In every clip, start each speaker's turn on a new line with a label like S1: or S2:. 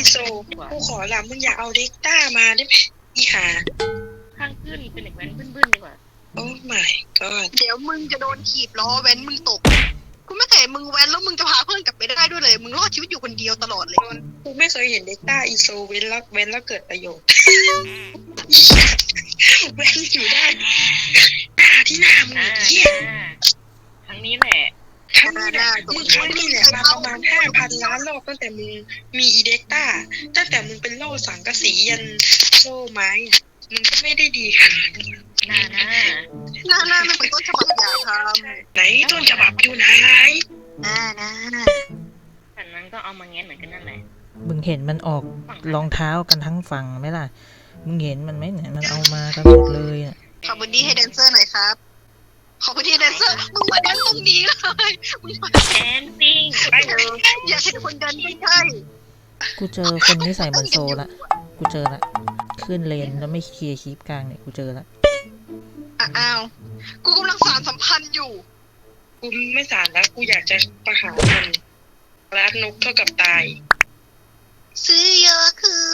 S1: โซกูขอละมึงอย่าเอาเด็กต้ามาได้ไหมอีหา
S2: ข้างขึ้นเป็นเด็กแว้นบึ้นๆดีกว่า
S1: โอ้ my god
S3: เดี๋ยวมึงจะโดนถีบล้อแว้นมึงตกกูไม่เคยมึงแว้นแล้วมึงจะพาเพื่อนกลับไปได้ด้วยเลยมึงรอดชีวิตอยู่คนเดียวตลอดเลย
S1: กูไม่เคยเห็นเด็กต้าอีโซเว้นแล้วเกิดประโยชน์เว้นอยู่ได้หน้าที่หน้ามึงเหี้ย
S2: ครั้งนี้แหละ
S1: ครั้งนี้แหละมึงครั้งนี้แหละมาประมาณ5,000 ล้านรอบตั้งแต่มึงมีอีเด็กต้าตั้งแต่มึงเป็นโล่สังกะสียันโล่ไม้มึงก็ไม่ได้ดีค่ะ
S3: หน้าไม่เหมือนต้นฉบับอย่าทำ
S1: ไหนต้นฉบับอยู่ไหน
S3: หน้า
S2: แต่นั้นก็เอามาแง้เหมือนกันนั่นแหละ
S4: มึงเห็นมันออกรองเท้ากันทั้งฝั่งไหมล่ะมึงเห็นมันไหมเนี่ยมันเอามากันหมดเลยอ่ะ
S3: ขอพื้นที่ให้แดนเซอร์หน่อยครับขอพื้นที่แดนเซอร์มึงมาแดนตรงนี้เลยมึงมา
S2: แดนซิ่งไปเลย
S3: อยากเห็นคนแดนใกล้
S4: กูเจอคนที่ใส่เหมือนโซละกูเจอละขึ้นเลนแล้วไม่เคลียร์คลิปกลางเนี่ยกูเจอละ
S3: อ้าวกูกำลังสานสัมพันธ์อยู่
S1: กูไม่สารแล้วกูอยากจะประหารมันรักนกเท่ากับตาย
S3: ซื้อเยอะคือ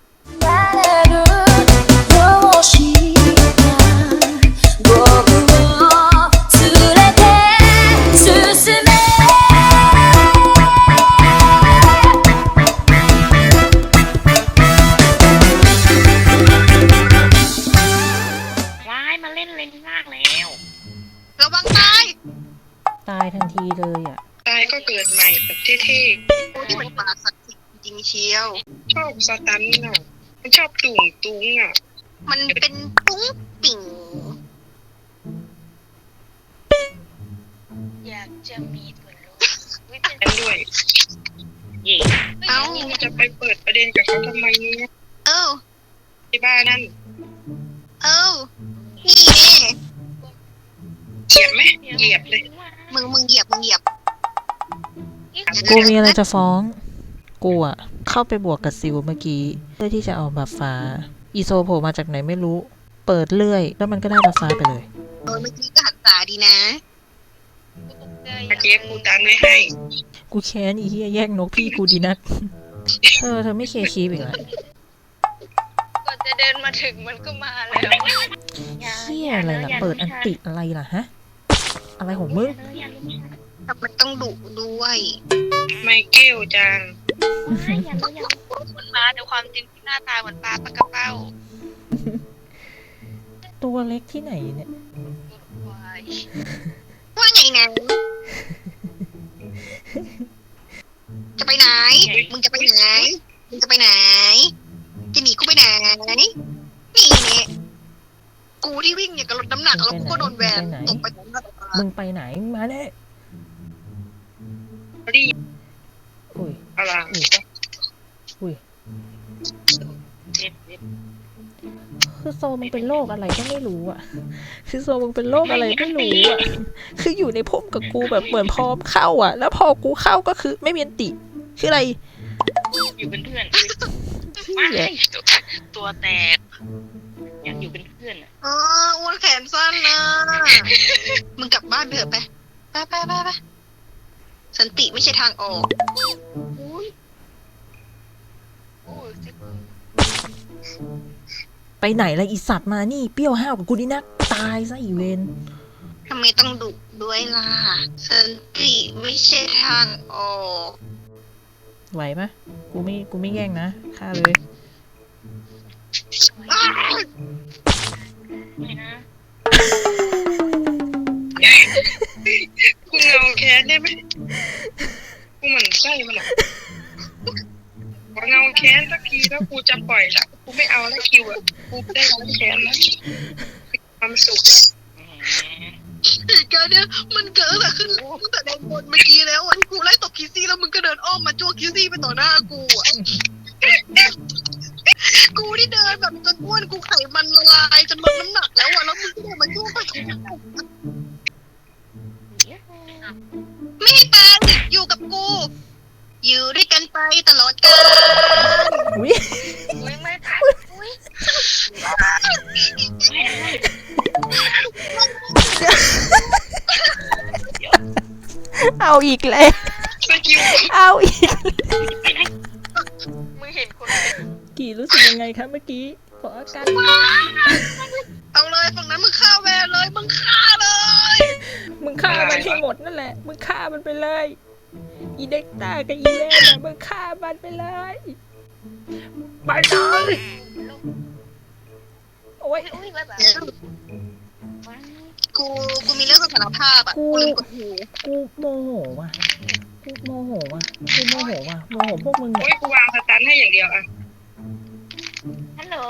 S3: ระวัง
S4: ตายทันทีเลยอ่ะ
S1: ตายก็เกิดใหม่แบบเท่
S3: ๆที่มันปาสักจริงเชียว
S1: ชอบสตันน่ะมันชอบตุ้งอ่ะ
S3: มันเป็นปุ้งปิ่ง
S2: อยากจะมีส่วนรู้
S1: กันด้วย
S3: เอ้า
S1: จะไปเปิดประเด็นกับเขาทำไมเนี่ยที่บ้านนั่น
S3: นี่แน่
S1: เหยียบไหมเหยียบเลย
S3: มึงเหยียบ
S4: กูมีอะไรจะฟ้องกูอะเข้าไปบวกกับซิลเมื่อกี้เพื่อที่จะเอาบัฟฟ้าอีโซโผล่มาจากไหนไม่รู้เปิดเลื่อยแล้วมันก็ได้บัฟฟ้าไปเลย
S3: เมื่อกี้ก็หันตาดีนะ
S1: เจ๊กูตันไม่ให้
S4: กูแค้นอีเหี้ยแย่งนกพี่กูดีนักเธอไม่เคลียร์คลิปอีกแล้ว
S3: ก่อนจะเดินมาถึงมันก็มาแล้ว
S4: เหี้ยอะไรล่ะเปิดอันติอะไรล่ะฮะอะไรของมึง
S3: มันต้องดุด้วย
S1: ไมเคิลจัง
S3: มันมาแต่ความจริงที่หน้าตาเหมือนปลาปากระเป้า
S4: ตัวเล็กที่ไหนเนี่ย
S3: ว่าไงนะจะไปไหนมึงจะไปไหนจะหนีกูไปไหนนี่เนี่ยกูที่วิ่งเนี่ยกับรถน้ำหนักแล้วกูก็โดนแวนตกไป
S4: มึงไปไหนมาเนี่ยอุ้ย
S1: อะไร
S4: อุ้ยคือโซมึงเป็นโรคอะไรก็ไม่รู้อ่ะคือโซมึงเป็นโรคอะไรไม่รู้อ่ะคืออยู่ในพุ่มกับกูแบบเหมือนพร้อมเข้าอ่ะแล้วพอกูเข้าก็คือไม่มีอันติคืออะไร
S2: อยู่เป็นเพื่อนตัวแตกอยากอยู่เป็นเพื่อน
S3: อ้วนแขนสั้นนะมึงกลับบ้านเถอะไปสันติไม่ใช่ทางออก
S4: ไปไหนล่ะอีสัตว์มานี่เปรี้ยวห้าวกับกูนี่นักตายซะอีเวน
S3: ทำไมต้องดุด้วยล่ะสันติไม่ใช่ทางออก
S4: ไหวปะกูไม่แย่งนะฆ่าเลย
S2: ไม่นะ
S1: กูเงาแค้นได้ไหมกูเหมือนไส้มันอ่ะกูเงาแค้นสักทีแล้วกูจะปล่อยละกูไม่เอาแล้วคิวอ่ะกูได้ร้องแค้นแล้วความสุข
S3: เหตุการณ์เนี้ยมันเกิดขึ้นตั้งแต่แดนบนเมื่อกี้แล้ววันกูไล่ตบคิซี่แล้วมึงก็เดินอ้อมมาจ้วงคิซี่ไปต่อหน้ากูอ่ะกูที่เดินแบบจนอ้วนกูไขมันละลายจนลดน้ำหนักแล้วอ่ะแล้วมึงก็เดินมาจ้วงไปไม่ให้แปลงอยู่กับกูอยู่ด้วยกันไปตลอดกาลไม่ทัน
S4: เอาอีกแล้วเอาอีก
S3: มมึงเห็นคน
S4: กี่รู้สึกยังไงคะเมื่อกี้ขออาการ
S3: เอาเลยฝั่งนั้นมึงฆ่าแวนเลยมึงฆ่าเลย
S4: มึงฆ่ามันให้หมดนั่นแหละมึงฆ่ามันไปเลยอีเด็กตากับอีแม่น่ะมึงฆ่ามันไปเลยไปเลยโอ้ย
S2: อุ้ยแบบ
S3: กูมีเรื่องสารภาพอ่ะกูลืมกดหู
S4: กูโมโหว่ะกูโมโหว่ะกูโมโหว่ะโมโหพวกมึง
S1: โอ้ยกูวางสตันให้อย่างเดียวอะ
S2: ฮัลโหล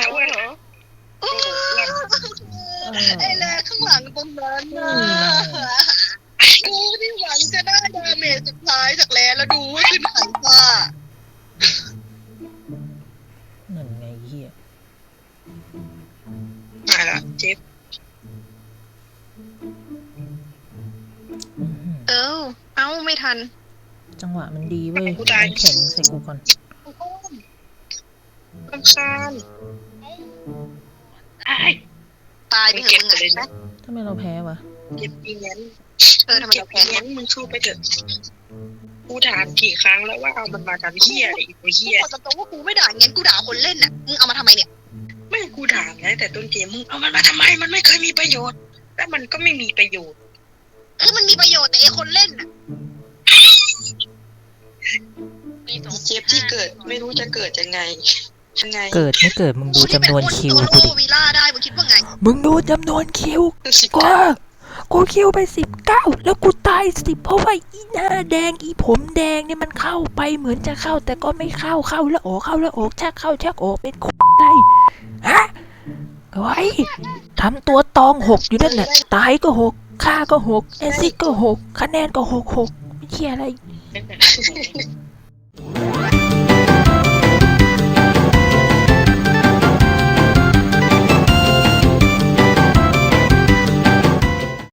S3: ไอ้แลข้างหลังตรงนั้นนะกูที่หวังจะได้ดาเมจสุดท้ายจากแลแล้วดูว่าขึ้นหันมา
S4: นั่นไงเฮีย
S1: มาละเจ็บ
S3: เอ้าไม่ทัน
S4: จังหวะมันดีเว้ยน้ำแข็งใส่กูก่อน
S1: รำคาญ
S3: ตายไปเถอะมึงไง
S4: ทำไมเราแพ้วะ
S1: เจ็บอีงั้น
S3: ทำไม
S1: เจ็บ
S3: เรา
S1: อี
S3: แพ้
S1: งั้นมึงสู้ไปเถอะกูถามกี่ครั้งแล้วว่าเอามันมาทำเหี้ยอะไรอีกเหี้ย
S3: กูตรงว่ากูไม่ด่างั้นกูด่าคนเล่นน่ะมึงเอามาทำไมเนี่ย
S1: ไม่กูถามนะแต่ต้นเกมมึงเอามันมาทำไมมันไม่เคยมีประโยชน์และมันก็ไม่มีประโยชน์
S3: คือมันมีประโยชน์แต่ไอ้คนเล่นน่ะ
S1: เจ็บที่เกิดไม่รู้จะเกิดยังไง
S4: เกิดไม่เกิดมึงดูจำนวนคิวกูดิ
S3: วีล่าได้มึงคิดว่าไง
S4: มึงดูจำนวนคิวกูคิวไป19แล้วกูตาย10เพราะว่าอีหน้าแดงอีผมแดงเนี่ยมันเข้าไปเหมือนจะเข้าแต่ก็ไม่เข้าแล้วออกเข้าแล้วออกชักเข้าชักออกเป็นอะไรฮะไว้ทำตัวตอง6อยู่นั่นแหละตายก็6ฆ่าก็6แอซิดก็6คะแนนก็6ไม่เชี่ยอะไร
S2: เป็นแต่ละคน